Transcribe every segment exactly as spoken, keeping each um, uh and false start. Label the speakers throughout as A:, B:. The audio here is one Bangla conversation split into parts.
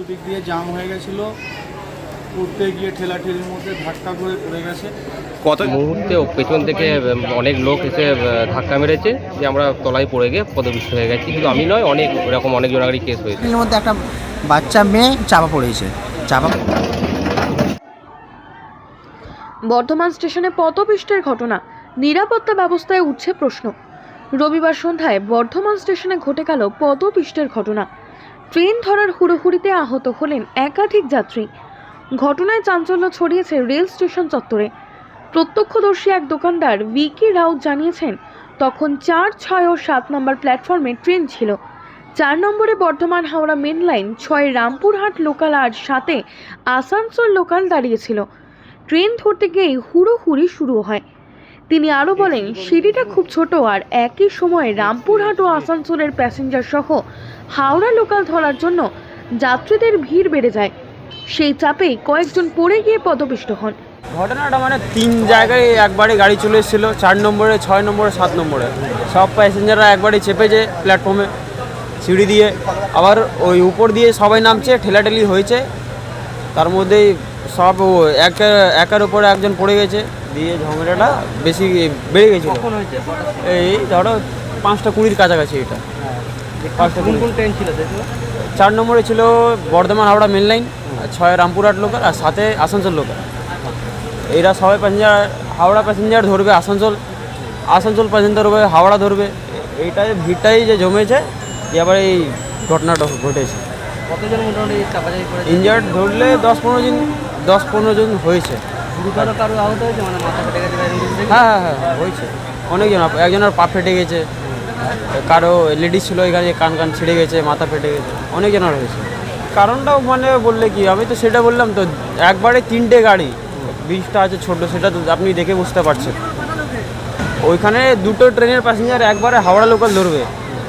A: দুদিক দিয়ে জাম হয়ে গেছিলো, উঠতে গিয়ে ঠেলাঠেলির মধ্যে ধাক্কা করে পড়ে গেছে।
B: কত মুহূর্তে পেছন থেকে অনেক লোক এসে ধাক্কা মেরেছে যে আমরা তলায় পড়ে গিয়ে পদপিষ্ট হয়ে গেছি। কিন্তু আমি নয়, অনেক এরকম অনেক জনারই কেস হয়েছে।
C: এর মধ্যে একটা বাচ্চা মেয়ে চাপা পড়েছে। চাপা
D: বর্ধমান স্টেশনে পদপিষ্টের ঘটনা, নিরাপত্তা ব্যবস্থায় উঠছে প্রশ্ন। রবিবার সন্ধ্যায় বর্ধমান স্টেশনে ঘটে গেল পদপিষ্টের ঘটনা। ট্রেন ধরার হুড়োহুড়িতে আহত হলেন একাধিক যাত্রী। ঘটনায় চাঞ্চল্য ছড়িয়েছে রেল স্টেশন চত্বরে। প্রত্যক্ষদর্শী এক দোকানদার ভিকি রাউত জানিয়েছেন, তখন চার ছয় ও সাত নম্বর প্ল্যাটফর্মে ট্রেন ছিল। চার নম্বরে বর্ধমান হাওড়া মেন লাইন, ছয় রামপুরহাট লোকাল আর সাথে আসানসোল লোকাল দাঁড়িয়েছিল। ট্রেন ধরতে গিয়েই হুড়োহুড়ি শুরু হয়। তিনি আরও বলেন, সিঁড়িটা খুব ছোট আর একই সময়ে রামপুরহাট ও আসানসোলের প্যাসেঞ্জার সহ হাওড়া লোকাল ধরার জন্য যাত্রীদের ভিড় বেড়ে যায়। সেই চাপেই কয়েকজন পড়ে গিয়ে পদপিষ্ট হন।
E: ঘটনাটা মানে তিন জায়গায় একবারে গাড়ি চলে এসেছিল, চার নম্বরে, ছয় নম্বরে, সাত নম্বরে। সব প্যাসেঞ্জাররা একবারে চেপেছে প্ল্যাটফর্মে সিঁড়ি দিয়ে, আবার ওই উপর দিয়ে সবাই নামছে, ঠেলাঠেলি হয়েছে। তার মধ্যেই সব এক একের উপরে একজন পড়ে গেছে, দিয়ে ঝামেলাটা বেশি বেড়ে গেছিল। এই ধরো পাঁচটা কুড়ির কাছাকাছি। এটা পাঁচটা কোন কোন ট্রেন ছিল? চার নম্বরে ছিল বর্ধমান হাওড়া মেন লাইন, ছয় রামপুরহাট লোকাল আর সাথে আসানসোল লোকাল। এরা সবাই প্যাসেঞ্জার হাওড়া প্যাসেঞ্জার ধরবে আসানসোল, আসানসোল প্যাসেঞ্জার ধরবে হাওড়া ধরবে। এইটাই ভিড়টাই যে জমেছে, যে আবার এই ঘটনাটা ঘটেছে।
C: কতজন মোটামুটি চাপাচাপি করে
E: ইনজার্ড ধরলে দশ পনেরো জন দশ পনেরো জন হয়েছে।
C: গুরুতর কারো আহত হয়েছে, মানে মাথা ফেটে গেছে?
E: হ্যাঁ হ্যাঁ হ্যাঁ হয়েছে অনেকজন। একজনের পা ফেটে গেছে, কারো লেডিস ছিল এখানে, কান কান ছিঁড়ে গেছে, মাথা ফেটে গেছে, অনেকজনের হয়েছে। কারণটাও মানে বললে কি, আমি তো সেটা বললাম তো, একবারে তিনটে গাড়ি, ব্রিজটা আছে ছোট, সেটা তো আপনি দেখে বুঝতে পারছেন। ওইখানে দুটো ট্রেনের প্যাসেঞ্জার একবারে হাওড়া লোকাল ধরবে।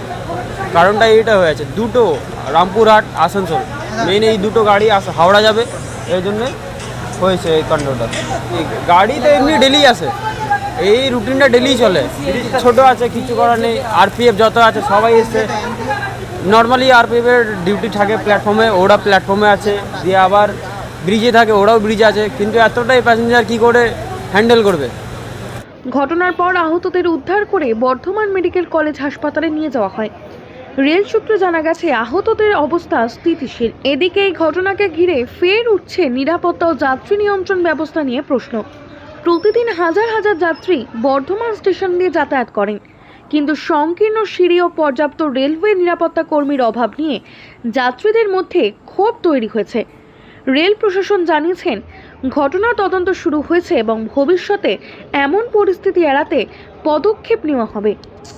E: কারণটা এইটা হয়েছে, দুটো রামপুরহাট আসানসোল মেন এই দুটো গাড়ি হাওড়া যাবে, এই জন্যে হয়েছে এই কাণ্ডটা। গাড়ি তো এমনি ডেলি আসে, এই রুটিনটা ডেলি চলে। ছোট আছে, কিছু করার নেই। আরপিএফ যত আছে সবাই এসছে। নর্মালি আরপিএফের ডিউটি থাকে প্ল্যাটফর্মে, ওরা প্ল্যাটফর্মে আছে, দিয়ে আবার ব্রিজে থাকে, ওরাও ব্রিজে আছে। কিন্তু এতটাই প্যাসেঞ্জার কি করে হ্যান্ডেল করবে?
D: ঘটনার পর আহতদের উদ্ধার করে বর্ধমান মেডিকেল কলেজ হাসপাতালে নিয়ে যাওয়া হয়। রেল সূত্রে জানা গেছে, আহতদের অবস্থা স্থিতিশীল। এদিকে এই ঘটনাকে ঘিরে ফের উঠছে নিরাপত্তা ও যাত্রী নিয়ন্ত্রণ ব্যবস্থা নিয়ে প্রশ্ন। প্রতিদিন হাজার হাজার যাত্রী বর্ধমান স্টেশন দিয়ে যাতায়াত করেন, কিন্তু সংকীর্ণ সিঁড়ি ও পর্যাপ্ত রেলওয়ে নিরাপত্তা কর্মীর অভাব নিয়ে যাত্রীদের মধ্যে ক্ষোভ তৈরি হয়েছে। রেল প্রশাসন জানিয়েছেন, ঘটনার তদন্ত শুরু হয়েছে এবং ভবিষ্যতে এমন পরিস্থিতি এড়াতে পদক্ষেপ নেওয়া হবে।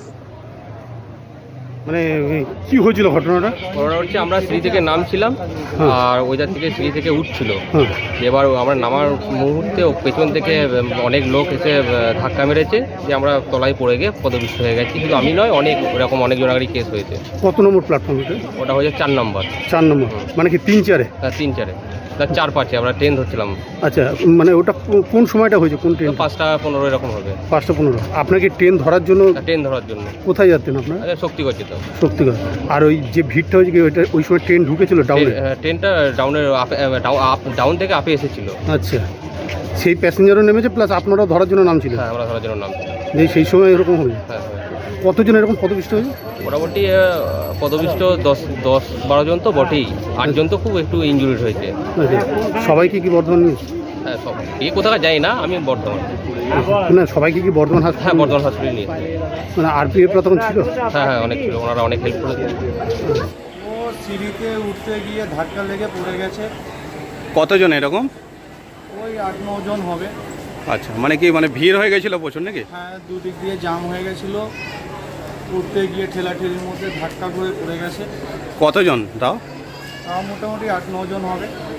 F: মানে কি হয়েছিল ঘটনাটা?
B: ঘটনা হচ্ছে, আমরা সিঁড়ি থেকে নামছিলাম আর ওইটার থেকে সিঁড়ি থেকে উঠছিল। এবার আমরা নামার মুহূর্তে পেছন থেকে অনেক লোক এসে ধাক্কা মেরেছে যে আমরা তলায় পড়ে গিয়ে পদপিষ্ট হয়ে গেছি। কিন্তু আমি নয়, অনেক এরকম অনেক জনারই কেস হয়েছে।
F: কত নম্বর প্ল্যাটফর্ম ওটা?
B: ওটা হয়েছে চার নম্বর।
F: চার নম্বর মানে কি তিন চারে?
B: হ্যাঁ, তিন চারে, তার চার পাঁচে আমরা ট্রেন ধরছিলাম।
F: আচ্ছা, মানে ওটা কোন সময়টা হয়েছে? কোন ট্রেন?
B: পাঁচটা পনেরো এরকম হবে।
F: পাঁচটা পনেরো। আপনাকে ট্রেন ধরার জন্য?
B: ট্রেন ধরার জন্য।
F: কোথায় যাচ্ছেন আপনার?
B: শক্তিগড় যেতাম।
F: শক্তিগড়। আর ওই যে ভিড়টা হয়েছে কি, ওইটা ওই সময় ট্রেন ঢুকেছিল ডাউনে?
B: ট্রেনটা ডাউনের ডাউন থেকে আপে এসেছিল।
F: আচ্ছা, সেই প্যাসেঞ্জারও নেমেছে, প্লাস আপনারাও ধরার জন্য নামছিলেন?
B: হ্যাঁ, আমরা ধরার জন্য নামছিলাম।
F: যে সেই সময় এরকম হবে?
B: হ্যাঁ হ্যাঁ।
F: কতজন এরকম পদপিষ্ট হয়েছে?
B: মোটামুটি পদপিষ্ট দশ দশ বারো জন তো বটেই, আটজন তো খুব একটু ইনজুরিড হয়েছে।
F: সবাইকে কি বর্ধমান নিয়ে?
B: হ্যাঁ, সব এই কোথাও যাই না, আমি বর্ধমান।
F: না, সবাইকে কি বর্ধমান হাসপাতাল?
B: হ্যাঁ, বর্ধমান হসপিটালে নিয়ে।
F: মানে আরপিএফরা তখন ছিল?
B: হ্যাঁ হ্যাঁ, অনেক ছিল, ওনারা অনেক হেল্প করেছে।
A: ও সিঁড়িতে উঠতে গিয়ে ধাক্কা লেগে পড়ে গেছে।
B: কতজন এরকম?
A: ওই আট ন জন হবে।
B: আচ্ছা, মানে কি মানে ভিড় হয়ে গেছিল প্রচুর নাকি?
A: হ্যাঁ, দুদিক দিয়ে জাম হয়ে গেছিলো, উঠতে গিয়ে ঠেলাঠেলির মধ্যে ধাক্কা করে পড়ে গেছে।
B: কতজন তাও?
A: তাও মোটামুটি আট ন জন হবে।